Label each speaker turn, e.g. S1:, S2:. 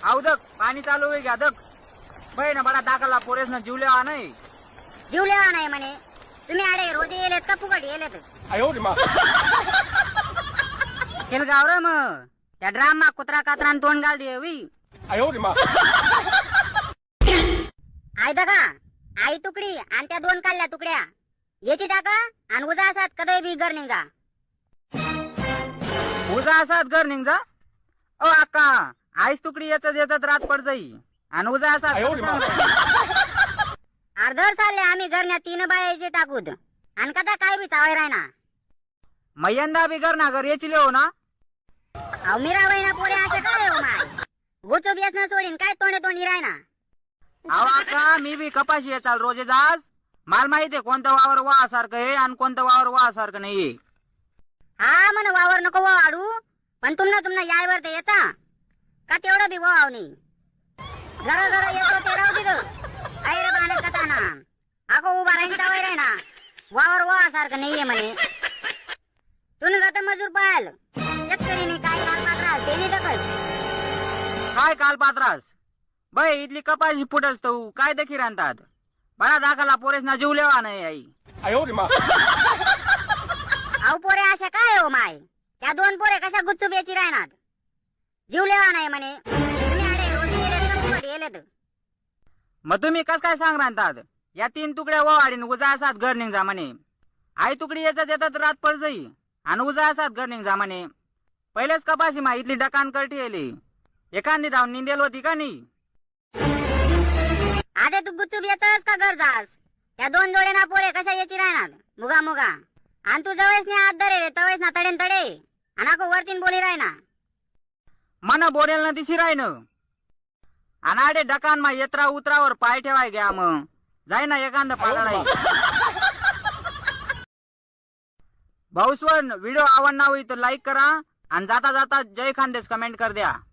S1: अवदक पाणी चालू आहे घ्या दक बहीण बडा दाखला पोरेस न जीवलेवा नाही
S2: जीवलेवा नाही म्हणे तुम्ही आडे रोज येलेत का फुकट येलेत शिलगाव र मग त्या ड्राम मा कुत्रा कात्रान तोंड घाल दे वी आई दगा आई तुकडी आणि त्या दोन काढल्या तुकड्या याची टाका आणि उजा असात कधी बी घर निघा
S1: उजा असात घर निघा ओ अक्का आईस तुकडी याच येतात रात पड जाई आणि उजा असात
S2: अर्धर चालले आम्ही घरण्या 3 बायाचे टाकूत आणि कदा काय बी चावाय रायना
S1: मैयंदा बी घर ना घर याची लेव ना
S2: अहो मीरा वहिना पोरे असे काय हो माय गोचो बियास न सोडीन काय तोंडे तोंडी रायना
S1: अहो अक्का मी बी कपाशी येचाल रोजे जास माल माहितीये कोणतं वावर वा सारखं आहे आणि कोणतं वावर वा सारखं नाहीये
S2: हा म्हण वावर नको वाढू पण तुम्हाला यायवर ते येता का तेवढं बी वाव नाही जरा जरा येतो ते राहू दिलं ऐर बाण कथाना अगो उभा राहीन तावाय राही ना वावर वा सारखं नाहीये म्हणे तुन जात मजूर पाहाल शेतकरीने काय काल ते नाही दखल
S1: काय काल पात्रास बाई इथली कपाशी फुटच तो काय देखील आणतात बडा दाखला पोरेस ना जीवलेवा नाही आई
S2: अहो पोरे अशा काय हो माय त्या 2 पोरे कशा गुच्चूप याची राहणार जीवलेवा नाही म्हणे तुम्ही आडे रोजी येलेत का फुकट येलेत
S1: मग तुम्ही कस काय सांग राहतात या 3 तुकड्या वाढीन उजा असात घर निघा म्हणे आई तुकडी याच्यात येतात रात पड जाई आणि उजा असात घर निघा म्हणे पहिलेच कपाशी मा इथली डकान करठी येली एखादी धावून निंदेल होती का नाही
S2: आधे तू गुच्चूप येतस का घर जास त्या 2 जोडे ना पोरे कशा याची राहणार मुगा मुगा आणि तू जवळच नाही हात धरे तवळेस ना तडेन तडे आणि अको वरतीन बोली राहना
S1: मन बोरेल ना दिशी राहीन आणि आडे डकान मा येत्रा उतरावर पाय ठेवाय घ्या मग जाय ना एखाद पाला भाऊस्वन व्हिडिओ आवडला होई तर लाईक करा आणि जाता जाता जय खानदेश कमेंट कर द्या.